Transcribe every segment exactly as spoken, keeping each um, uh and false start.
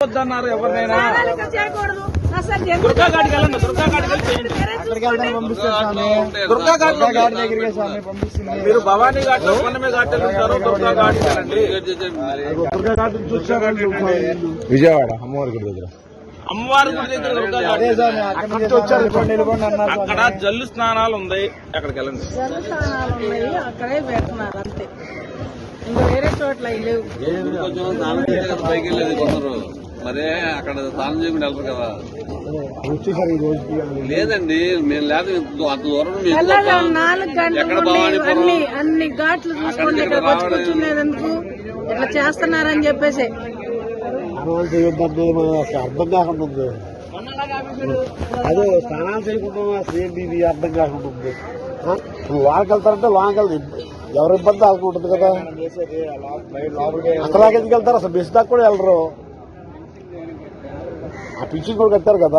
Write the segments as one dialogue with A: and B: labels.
A: పెట్టొద్దన్నారు ఎవరినైనా. దుర్గా ఘాట్కి వెళ్ళండి, దుర్గా ఘాట్కి వెళ్ళి దుర్గా ఘాట్ దగ్గరికి స్వామి పంపిస్తుంది. మీరు భవానీ ఘాట్ లో కొన్నమే ఘాట్ ఉంటారు, దుర్గా ఘాట్కి వెళ్ళండి. దుర్గా ఘాట్ చూసారండి
B: విజయవాడ అమ్మవారి గుడి దగ్గర.
A: అమ్మవారి గుడి దగ్గర దుర్గా ఘాట్ అక్కడ జల్లు స్నానాలు ఉన్నాయి, అక్కడికి వెళ్ళండి.
C: జల్లు స్నానాలు ఉన్నాయి, అక్కడే పెడుతున్నారు అంతే, ఇంకా వేరే చోట్ల లేవు.
D: పైకి వెళ్ళేది కొందరు మరే అక్కడ స్నానం చేయకుండా వెళ్తారు కదా. లేదండి మేము లేదు అంత దూరం.
C: నాలుగు గంటలు అన్ని అన్ని ఘాట్లు చూసుకోండి, ఇక్కడ వచ్చి కూర్చునేది ఎందుకు ఇట్లా చేస్తున్నారని చెప్పేసి
B: అర్థం కాకుండా ఉంది. అదే స్నానాలు చేయకుండా అసలు ఇది అర్థం కాకుండా ఉంది. లోనికి వెళ్తారంటే లోనికి వెళ్తారు, ఎవరి ఇబ్బంది వాళ్ళకి ఉంటుంది కదా. అసలు ఎందుకు వెళ్తారు, అసలు బెస్ దాకా కూడా వెళ్ళరు. ఆ పిచ్చింగ్ కూడా కట్టారు కదా.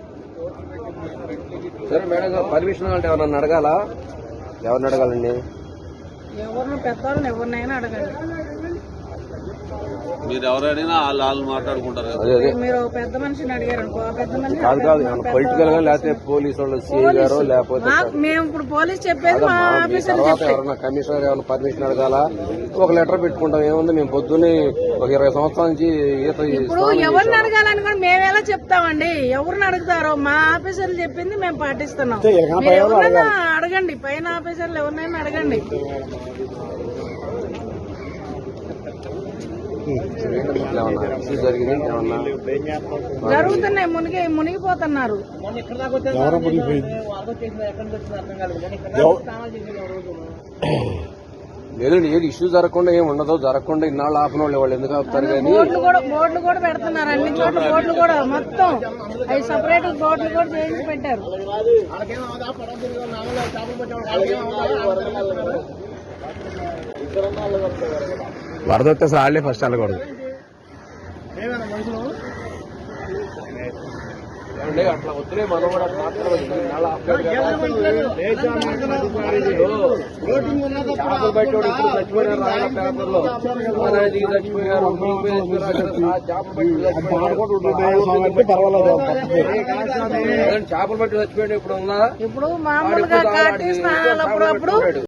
D: సరే మేడం గారు పర్మిషన్ అంటే ఎవరన్నా అడగాల? ఎవరిని అడగాలండి?
C: ఎవరిని పెద్దవాళ్ళని ఎవరినైనా అడగండి.
D: మీరు ఎవరైనా వాళ్ళు వాళ్ళు మాట్లాడుకుంటారు కదా.
C: మీరు పెద్ద మనిషిని అడిగారు అనుకో, ఆ పెద్ద మనిషి
D: కాదు కాదు పొలిటికల్ గా లేకపోతే పోలీసు వాళ్ళు సీఐ గారు లేకపోతే
C: మేము ఇప్పుడు పోలీస్ చెప్పేది మా ఆఫీసర్ చెప్పేది.
D: ఎవరన్నా కమిషనర్ ఏమన్నా పర్మిషన్ అడగాల? ఒక లెటర్ పెట్టుకుంటాం, ఏముంది మేము పొద్దున్నే ఒక ఇరవై సంవత్సరాల నుంచి ఈత.
C: ఇప్పుడు ఎవరిని అడగాలని కూడా మేము ఎలా చెప్తామండి? ఎవరిని అడుగుతారో మా ఆఫీసర్లు చెప్పింది మేము పాటిస్తున్నాం. మీరు ఎవరైనా అడగండి, పైన ఆఫీసర్లు ఎవరినైనా అడగండి. జరుగుతున్నాయి, మునిగి మునిగిపోతున్నారు.
D: లేదండి ఏది ఇష్యూ జరగకుండా ఏమి ఉండదు, జరగకుండా ఇన్నాళ్ళు ఆపిన వాళ్ళు వాళ్ళు ఎందుకు ఆపుతారు? కానీ
C: బోర్డులు కూడా బోర్డులు కూడా పెడుతున్నారు, అన్ని చోట్ల బోర్డులు కూడా మొత్తం అవి సపరేట్ బోర్డులు కూడా చేసి పెట్టారు.
B: వరద వస్తే సాళ్లే ఫస్ట్ వెళ్ళకూడదు.
D: అట్లా వద్దులే మనం కూడా చేపలు పట్టేవాడు ఇప్పుడు చచ్చిపోయినారు పేపర్లో, చచ్చిపోయారు చేపలు పట్టి చచ్చిపోయాడు. ఇప్పుడు ఉందా?
C: ఇప్పుడు మామూలుగా కాటి స్నానాలు అప్పుడప్పుడు